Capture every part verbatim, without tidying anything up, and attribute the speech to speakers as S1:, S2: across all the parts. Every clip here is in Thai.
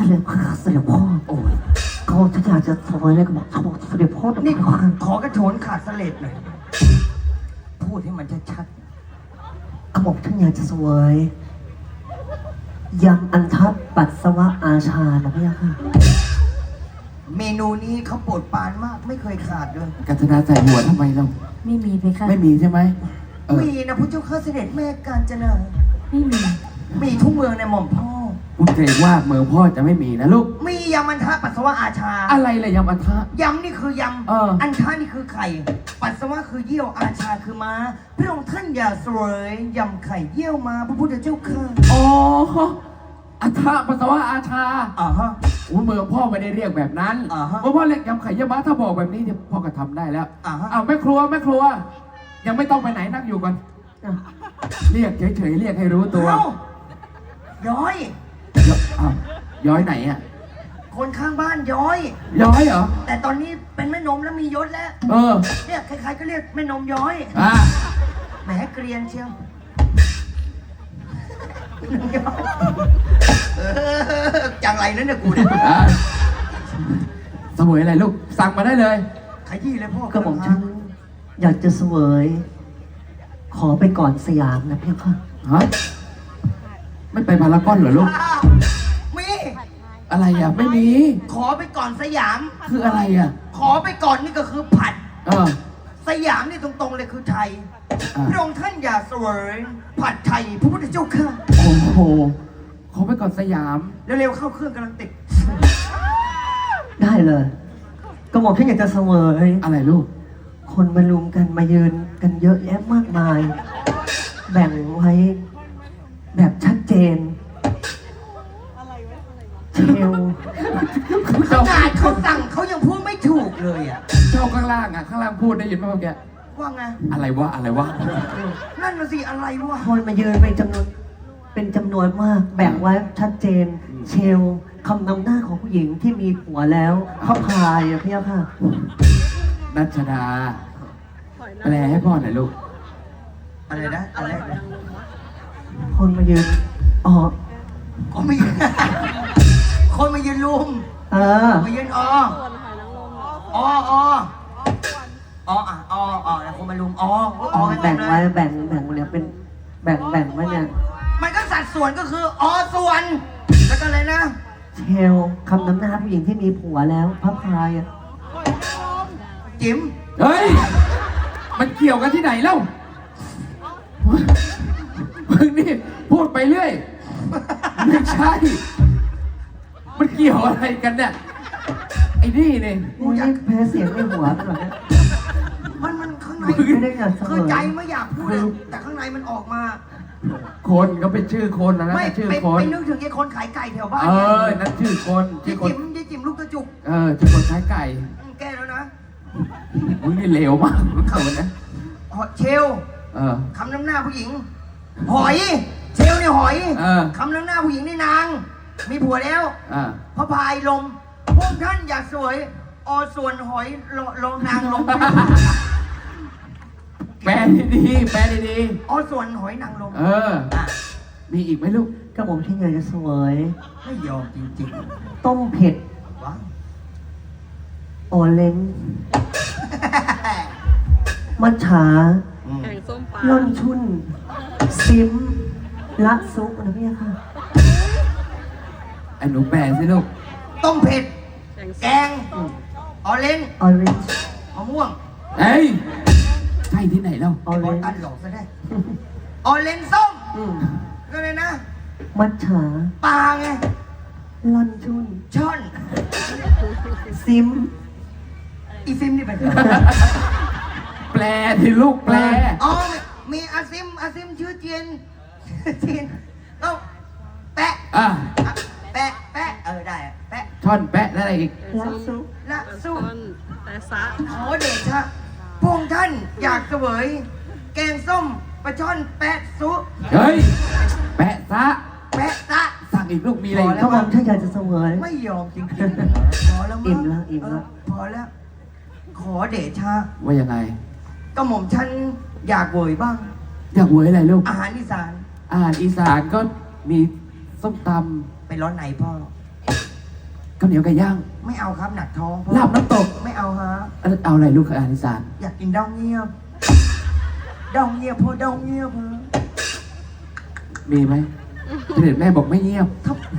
S1: ด็จเสด็จพ่อโอ้ยเขาฉันอยากจะสวยเลยก็บอกเขาบอกเสด็จพ่อต้อง
S2: นี่
S1: ขอ
S2: ขอกระโถนขาดสเลดหน่อยพูดให้มันชัด
S1: เขาบอกฉันอยากจะสวยยำอันทับปัสสาวะอาชานะพี่ค่ะ
S2: ๆเมนูนี้เขาโปรดปรานมากไม่เคยขาดเลย
S3: กัญจนาใส่หัวทำไมเรา
S4: ไม่มีไปค่ะ
S3: ไม่มีใช่ไหมเออ
S2: มีนะพระเจ้าข้าเสด็จแม่กาญจนา
S4: ไม่มี
S2: มีทุกเมืองในหม่อมพ่อ
S3: กูเกรงว่าเมืองพ่อจะไม่มีนะลูก
S2: มียำมันทะปัสสาวะอาชา
S3: อะไรเลยยำอันทะ
S2: ยำนี่คือย
S3: เออ
S2: ำอันทะนี่คือไข่ ปัสสาวะคือเยี่ยวอาชาคือม้าพระองค์ท่านอย่าเสวยยำไข่เยี่ยวม้าพระพุทธเจ้าค่ะ
S3: อ๋ออันทะปัสสาวะอาชา
S2: อ่าฮะ
S3: โอ้เมืองพ่อไม่ได้เรียกแบบนั้น
S2: อ่าฮะ
S3: เพราะพ่อเรียกยำไข่เยี่ยวม้าถ้าบอกแบบนี้เนี่ยพ่อก็ทำได้แล้ว
S2: อ่าฮะ
S3: อ้าวแม่ครัวแม่ครัว ยังไม่ต้องไปไหนนั่งอยู่ก่อน
S1: อ่ะ
S3: เรียกเฉยๆเรียกให้รู้ตัว
S2: เอ้าย้อย
S3: ยอ้าวย้อยไหนอ่ะ
S2: คนข้างบ้านย้อย
S3: ย้อยเหรอ
S2: แต่ตอนนี้เป็นแม่นมแล้วมียศแล้ว
S3: เออ
S2: เนี่ยใครๆก็เรียกแม่นมย้อย
S3: อ่ะ
S2: แหมเกรียนเชียวเออจังไรนั่นเนี่ยกูเนี่ย
S3: อ่ะเสวยอะไรลูก สั่งมาได้เลย
S2: ขยี้เลยพ่อ
S1: ก็บอกฉันอยากจะสวย ขอไปก่อนสยามนะพี่ค่ะ
S3: ฮะ ไม่ไปพารากอนเหรอลูก
S2: อ้าวมี
S3: อะไรอ่ะ ไม่มี
S2: ขอไปก่อนสยาม
S3: คืออะไรอ่ะ
S2: ขอไปก่อนนี่ก็คือผัด
S3: เออ
S2: สยามนี่ตรงๆเลยคือไทย
S3: อ่ะ
S2: พระองค์ท่านอย่าเสวยผัดไทยพระพุทธเจ้าค่ะ
S3: โอ้โหขอไปก่อนสยาม
S2: เร็วๆเข้าเครื่องกำลังติด
S1: ได้เลย ก็บอกฉันอยากจะสวย
S3: อะไรลูก
S1: คนมาลุมกันมายืนกันเยอะแยะมากมาย แบ่งไว้ แบบชัดเจนเชล
S2: ขนาดเขาสั่งเขายังพูดไม่ถูกเลยอ่ะ
S3: เจ้าข้างล่างอ่ะ ข้างล่างพูดได้ยินไหมเมื่อกี้
S2: ว่าไง
S3: อะไรวะ อะไรวะ
S2: นั่นน่ะสิอะไรวะ
S1: คนมายืนเป็นจำนวนเป็นจำนวนมาก แบ่งไว้ชัดเจน เชลคำนำหน้าของผู้หญิงที่มีผัวแล้วเขาพายอะพี่ค่ะ
S3: นัชดา แปลให้พ่อหน่อยลูก
S2: อะไรนะอะไรนะ
S1: คนมายืนอ๋อ
S2: คนมายืน คนมายืนลุม
S1: เออ
S2: มายืนออออออออ่ะอออแล้วคนมาลุมอออกันเต็
S1: แบ่
S2: ม
S1: ง
S2: เล
S1: ไว้
S2: ย
S1: แบ่งแบ่งเนี่ยเป็นแบ่งแบ่งไว้เนี่ย
S2: มันก็สัดส่วนก็คืออส่วน แล้วก็เลยนะ
S1: เชลคำนำหน้าผู้หญิงที่มีผัวแล้วพระพายอะ
S2: จิ๋ม
S3: เฮ้ย มันเกี่ยวกันที่ไหนเล่ามึงนี่พูดไปเรื่อย ไม่ใช่ มันเกี่ยวอะไรกันเนี่ย ไอ้นี่เนี่ย
S1: กูยังแพ้เสียงในหัวไปหรอเนี่ย
S2: มันมันข้างใน
S1: ไม่ได้อยากเสม
S2: คือ
S1: อ
S2: ใจไม่อยากพูดเลยแต่ข้างในมันออกมา
S3: คนก็เป็นชื่อคนนะนะ
S2: ไม่
S3: ชื่อ
S2: ไป
S3: คน
S2: ไปนึกถึงไอ้คนขายไก่แถวบ้าน
S3: เออ นั่นชื่อคน
S2: ยี่
S3: ชื่อคน
S2: จิ๋มยี่จิ๋มลูกกระจุก
S3: เออ ชื่อคนใช้ไก่
S2: อืมแก้แล้วนะ
S3: มึงนี่เลวมากมึงเขานะ
S2: เชล
S3: เออ
S2: คำน้ำหน้าผู้หญิง หอย เชลเนี่ยหอย
S3: เออ
S2: คำน้ำหน้าผู้หญิงนี่นาง มีผัวแล้ว
S3: อ่า
S2: พระพายลมพวกท่านอยากสวย อส่วนหอยลลงนางลม
S3: แปลดีๆแปลดี
S2: อส่วนหอยนางลม
S3: ๆเออ
S2: อ่ะ
S3: มีอีกไหมลูก
S1: ก็ผมที่อยากจะเสวย
S2: ไม่ยอมจริง
S1: ต้มเผ็ด
S2: ๆว้าว
S1: โอเล้งมัจฉา
S2: อืม
S4: แกงส้มปลา
S1: ล่อนชุน ซิม ละซุปนะพี่ค่ะ
S3: ไอ้หนูแปลสิลูก
S2: ต้มเผ็ด
S4: แกง
S2: แก
S4: ส้ม
S2: ง ออเรนจ์
S1: ออเรนจ์
S2: มะม่วง
S3: เอ้ย ใช่ที่ไหนเล่า
S1: ออ
S2: ไอ้
S1: เร
S2: บอล
S1: นจ์
S2: ตันหลอกซะได้ ออเรนจ์ส้ม
S1: อืม
S2: ก็เลยนะ
S1: มัจฉา
S2: ปลาไง
S1: ล่อนชุน
S2: ช่อน
S1: ซิม
S2: อีฟิมนี่เป็น
S3: แปลที่ลูกแปล
S2: อ๋อ มีอาซิม อาซิมชื่อเจียน เจียนต้องแปะ
S3: อ่ะ
S2: อ่ะแปะ แปะ เออได้อะแปะ
S3: ช่อนแปะแล้วอะไรอีก
S1: ละซุป
S2: ละ
S4: ปลา
S2: สู้
S4: ช่อนแต่ซะ
S2: ขอเดชะพวกท่านอยากเสวย แกงส้มปลาช่อนแปะซุ
S3: เฮ้ย แปะซะ
S2: แปะซะ
S3: สั่งอีกลูกมีอะไรอีก
S1: ก็ผมที่อยากจะเสวย
S2: ไม่ยอมจริงๆพอแล้วมั้ง
S1: อิ่มแล้วอิ่มแล้ว
S2: เพอแล้ว ขอเดชะ
S3: ว่ายังไง
S2: ก็หม่อมฉันอยากเวยบ้าง
S3: อยากเวยอะไรลูก
S2: อาหารอีสาน
S3: อาหารอีสานก็มีส้มต
S2: ไปร้อนไหนพ่อ
S3: ำข้าวเหนียวไก่ย่าง
S2: ไม่เอาครับหนักท้องพ่อ
S3: ลาบน้ำตก
S2: ไม่เอาฮะ
S3: เอาเอาอะไรลูกอาหารอีสาน
S2: อยากกินดองเงียบดองเงียบพ่อดองเงียบฮะ
S3: มีไหมเสด็จแม่บอกไม่เงียบ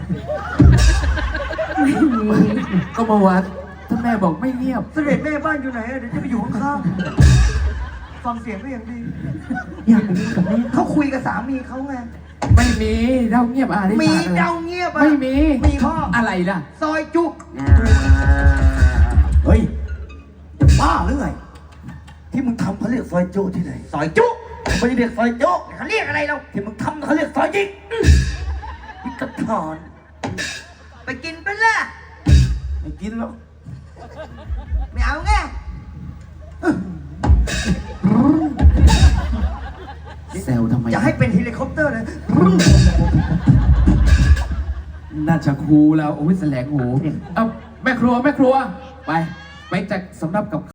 S4: ไม่มี
S3: ก็มาวัดท่านแม่บอกไม่เงียบ
S2: เสด็จแม่บ้านอยู่ไหนอะเดี๋ยวจะไปอยู่ข้างๆฟังเสียงก็ยังดี
S1: อยากไปกินกับแม่
S2: เขาคุยกับสามีเขาไง
S3: ไม่มีเล่าเงียบอาหารอี
S2: มี
S3: สานอะไร
S2: เดาเงียบอะ
S3: ไม่มี
S2: มีพ่อ
S3: อะไรล่ะ
S2: ซอยจุก
S5: เฮ้ยจะบ้าหรือไง ที่มึงทำเขาเรียกซอยโจ้ที่ไหน
S2: ซอยจุก
S5: ไม่ได้เรียกซอยโจ้
S2: เขาเรียกอะไรเรา
S5: ที่มึงทำเขาเรียกซอยยิกพิกถอน
S2: ไปกินไปละ
S5: ไม่กินแล้ว
S2: ไม่เอาไง
S3: แซวทำไม
S2: จะให้เป็นเฮลิคอปเตอร์เลย
S3: น่าจะคูแล้วโอ้ยแสลงหูเอาแม่ครัวแม่ครัว ไป ไปจัดสำรับกับ